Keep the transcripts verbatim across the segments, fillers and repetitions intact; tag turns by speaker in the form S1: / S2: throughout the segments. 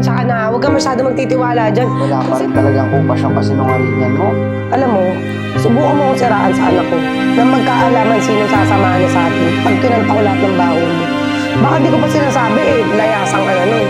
S1: pasensya ka na. Huwag ka masyado magtitiwala dyan.
S2: Wala pa rin talagang kupas yung kasinungalingan mo.
S1: Alam mo, subukan mo akong siraan sa anak ko na magkaalaman sino sasamahan niya sa atin pag kinanta ko lahat ng baho mo. Baka di ko pa sinasabi eh, layasan ka na nun.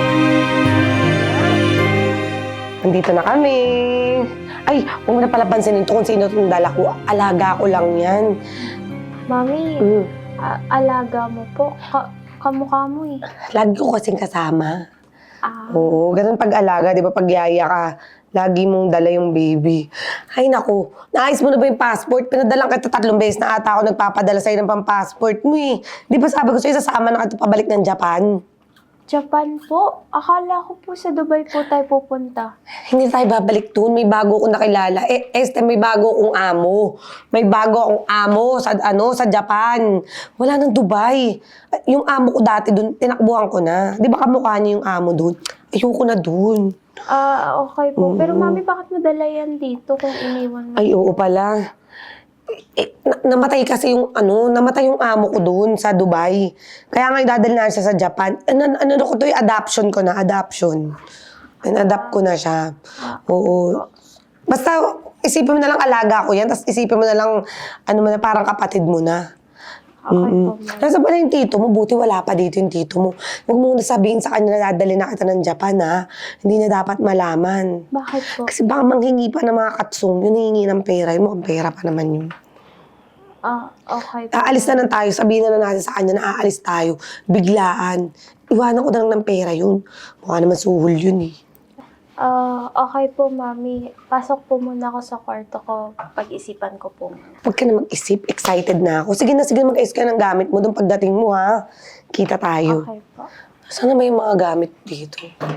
S1: Nandito na kami. Ay, huwag mo na pala pansinin to kung sino itong dala ko. Alaga ko lang yan.
S3: Mami,
S1: Mm.
S3: a- alaga mo po. Ka kamukha mo eh.
S1: Lagi ko kasing kasama.
S3: Ah,
S1: Oo, ganun pag-alaga, di ba? Pag yaya ka, lagi mong dala yung baby. Ay, naku, naayos mo na ba yung passport? Pinadalang kita tatlong beses na ata ako nagpapadala sa'yo ng pang-passport mo eh. Di ba sabi ko sa'yo, sasama na kita pabalik ng Japan?
S3: Japan po. Akala ko po sa Dubai po tayo pupunta.
S1: Hindi tayo babalik doon. May bago akong nakilala. Eh, este, may bago akong amo. May bago akong amo sa, ano, sa Japan. Wala nang Dubai. Yung amo ko dati doon, tinakbuhan ko na. Di ba kamukha niya yung amo doon? Ayoko na doon.
S3: Ah, okay po.
S1: Oo.
S3: Pero mami, bakit mo dala yan dito kung iniwan mo?
S1: Ay, oo pala. Eh, na- namatay kasi yung ano, namatay yung amo ko doon sa Dubai. Kaya nga idadal na siya sa Japan. Ano, ano na ko to, yung adoption ko na, adoption. In-adapt ko na siya. Oo. Basta, isipin mo na lang alaga ko yan, tapos isipin mo na lang, ano mo na, parang kapatid mo na.
S3: Okay po,
S1: Mm-mm.
S3: mami.
S1: Nasa pala yung tito mo, buti wala pa dito yung tito mo. Huwag mo na sabihin sa kanya na dadali na kita ng Japan, ha? Hindi na dapat malaman.
S3: Bakit po?
S1: Kasi baka manghingi pa ng mga katsong, yun hihingi ng pera, yun mukhang pera pa naman yun.
S3: Ah, okay po.
S1: Aalis na lang tayo, sabihin na lang natin sa kanya na aalis tayo, biglaan. Iwanan ko na lang ng pera yun. Mukha naman suhol yun eh.
S3: Ah, okay po, mami. Pasok po muna ako sa kwarto ko. Pag-isipan ko po muna.
S1: Huwag ka na mag-isip, excited na ako. Sige na, sige mag-ayos ka ng gamit mo doon pagdating mo ha. Kita tayo.
S3: Okay po.
S1: Sana may mga gamit dito.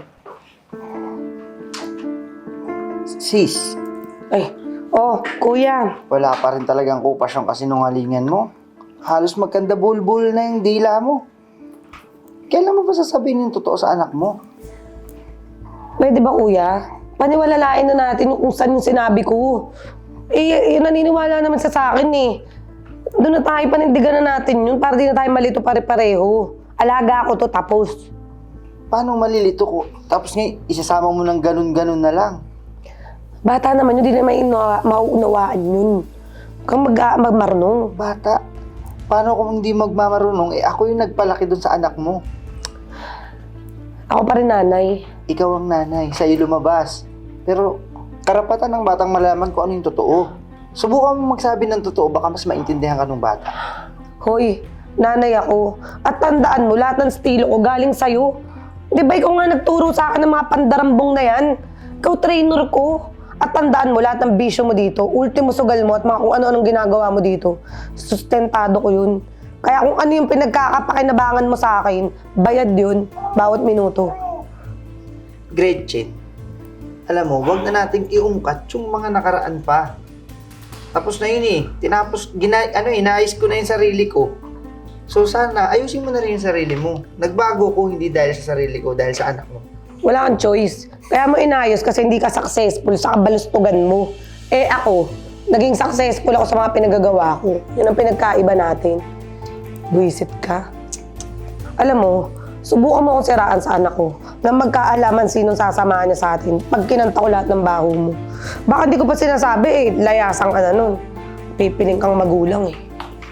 S2: Sis,
S1: Ay, oh, kuya.
S2: wala pa rin talagang kupas yung kasinungalingan mo. Halos magkanda bulbul na yung dila mo. Kailan mo ba sasabihin yung totoo sa anak mo?
S1: Pwede ba kuya? Paniwalalain na natin yung kung saan yung sinabi ko. Eh, yun naniniwala naman sa sa akin eh. Doon na tayo, panindigan na natin yun para di na tayo malito pare-pareho. Alaga ako to, tapos.
S2: Paano malilito ko? Tapos ngayon, isasama mo ng ganun-ganun na lang.
S1: Bata naman yun, di na mainuwa- mauunawaan yun. Huwag kang mag magmarunong.
S2: Bata, paano kung hindi magmamarunong? Eh ako yung nagpalaki dun sa anak mo.
S1: Ako pa rin nanay.
S2: Ikaw ang nanay, sa'yo lumabas. Pero karapatan ng batang malaman kung ano yung totoo. Subukan mo magsabi ng totoo, baka mas maintindihan ka ng bata.
S1: Hoy, nanay ako. At tandaan mo, lahat ng estilo ko galing sa'yo. Di ba ikaw nga nagturo sa akin ng mga pandarambong na yan? Ikaw trainer ko. At tandaan mo, lahat ng bisyo mo dito, ultimo sugal mo at mga kung ano-anong ginagawa mo dito, sustentado ko yun. Kaya kung ano yung pinagkakapakinabangan mo sa akin, bayad yun, bawat minuto.
S2: Gretchen, alam mo, wag na nating iungkat yung mga nakaraan pa. Tapos na yun eh. Tinapos, gina, ano, inayos ko na yung sarili ko. So sana, ayusin mo na rin yung sarili mo. Nagbago ko hindi dahil sa sarili ko, dahil sa anak mo.
S1: Wala kang choice. Kaya mo inayos kasi hindi ka successful sa kabalustugan mo. Eh ako, naging successful ako sa mga pinagagawa ko. Yun ang pinagkaiba natin. Buisit ka. Alam mo, subukan mo akong siraan sa anak ko na magkaalaman sinong sasamahan niya sa atin pag kinanta ko lahat ng baho mo. Baka di ko pa sinasabi eh, layasan ka na nun. Pipiling kang magulang eh.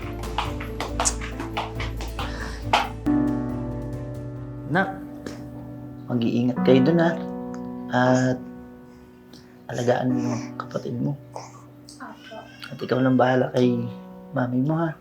S4: Nak, mag-iingat kayo dun ha. At alagaan mo yung kapatid mo. At ikaw lang bahala kay mami mo ha.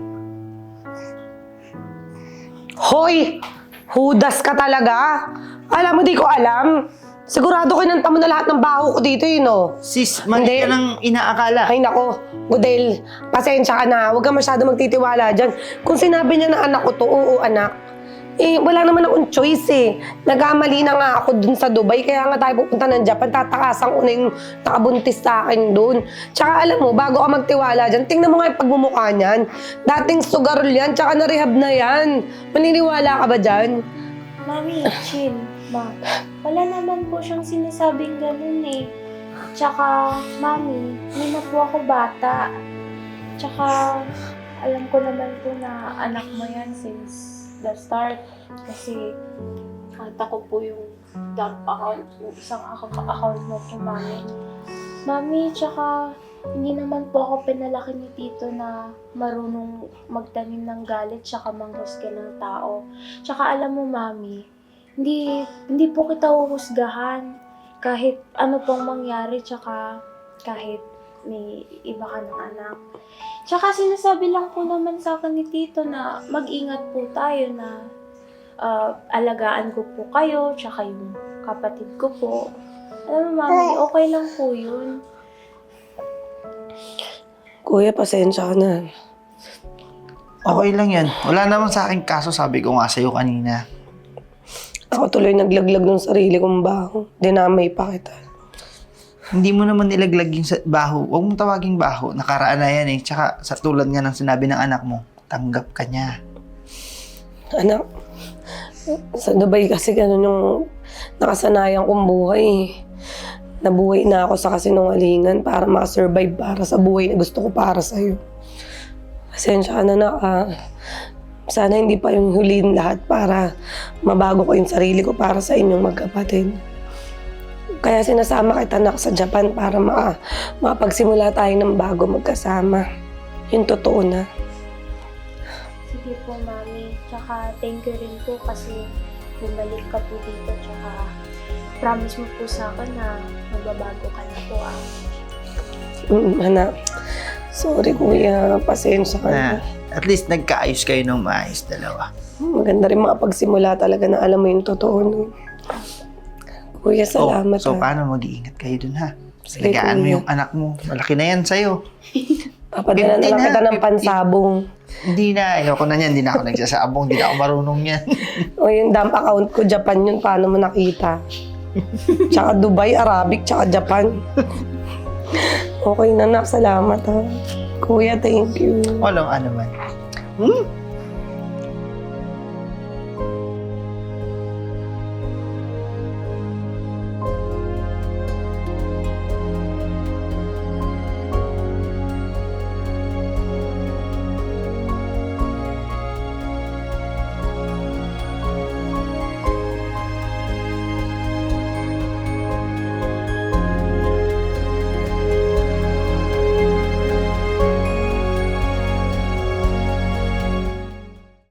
S1: Hoy! Hudas ka talaga! Alam mo, di ko alam. Sigurado kinanta mo na lahat ng baho ko dito, yun no?
S4: Sis, mali
S1: Hindi.
S4: ka nang inaakala.
S1: Ay nako, Gudel, pasensya ka na. Huwag ka masyado magtitiwala dyan. Kung sinabi niya na anak ko to, oo anak. Eh, wala naman akong choice eh. Nagkamali na nga ako dun sa Dubai, kaya nga tayo pupunta ng Japan. Tatakasan ko na yung nakabuntis sa akin dun. Tsaka alam mo, bago ka magtiwala dyan, tingnan mo nga yung pagmumukha niyan. Dating sugarol yan, tsaka na-rehab na yan. Maniniwala ka ba dyan?
S3: Mami, chill. Ma, wala naman po siyang sinasabing ganun eh. Tsaka, mami, hindi na po ako bata. Tsaka, alam ko naman po na anak mo yan since the start. Kasi, nakita ko po yung dump account, yung isang account, account mo po, Mami. Mami, tsaka hindi naman po ako pinalaki ni Tito na marunong magtanim ng galit tsaka manghusga ng tao. Tsaka alam mo, Mami, hindi, hindi po kita huhusgahan kahit ano pong mangyari tsaka kahit may iba ka ng anak. Tsaka sinasabi lang po naman sa akin ni Tito na mag-ingat po tayo na uh, alagaan ko po kayo tsaka yung kapatid ko po. Alam mo, Mami, okay lang po yun.
S1: Kuya, pasensya ka na.
S2: Okay lang yan. Wala naman sa akin kaso, sabi ko nga sa'yo kanina.
S1: Ako tuloy naglaglag ng sarili kong baho. Dinamay pa kita.
S2: Hindi mo naman nilaglag yung sa baho. Huwag mong tawaging baho. Nakaraan na yan eh. Tsaka sa tulad nga ng sinabi ng anak mo, tanggap ka niya.
S1: Anak, sa Dubai kasi ganun yung nakasanayan kong buhay. Nabuhay na ako sa kasinungalingan para makasurvive para sa buhay na gusto ko para sa'yo. Pasensya ka na, anak, ah. Sana hindi pa yung huliin lahat para mabago ko yung sarili ko para sa inyong magkapatid. Kaya sinasama kita, anak, sa Japan para ma makapagsimula tayo ng bago magkasama. Yung totoo na.
S3: Sige po, Mami. Tsaka thank you rin po kasi bumalik ka po dito. Tsaka promise mo po sa akin na magbabago ka na po, ah.
S1: Mm, anak, sorry kuya, pasensya ka na.
S2: Na, at least nagkaayos kayo ng maayos dalawa.
S1: Maganda rin makapagsimula talaga na alam mo yung totoo. No? Kuya, salamat.
S2: Oh, so,
S1: ha.
S2: paano mag-iingat kayo dun, ha?
S1: Sige,
S2: Alagaan mo
S1: kuya.
S2: yung anak mo. Malaki na yan sa'yo.
S1: Papadala na
S2: fifteen
S1: lang
S2: na,
S1: kita ng
S2: fifteen.
S1: pansabong.
S2: Hindi na. Ayoko na yan. Hindi na ako nagsasabong. Hindi na ako marunong yan.
S1: O yung dump account ko, Japan yun. Paano mo nakita? Tsaka Dubai, Arabic, tsaka Japan. Okay na, nak. Salamat, ha. Kuya, thank you.
S2: Walang ano man. Hmm?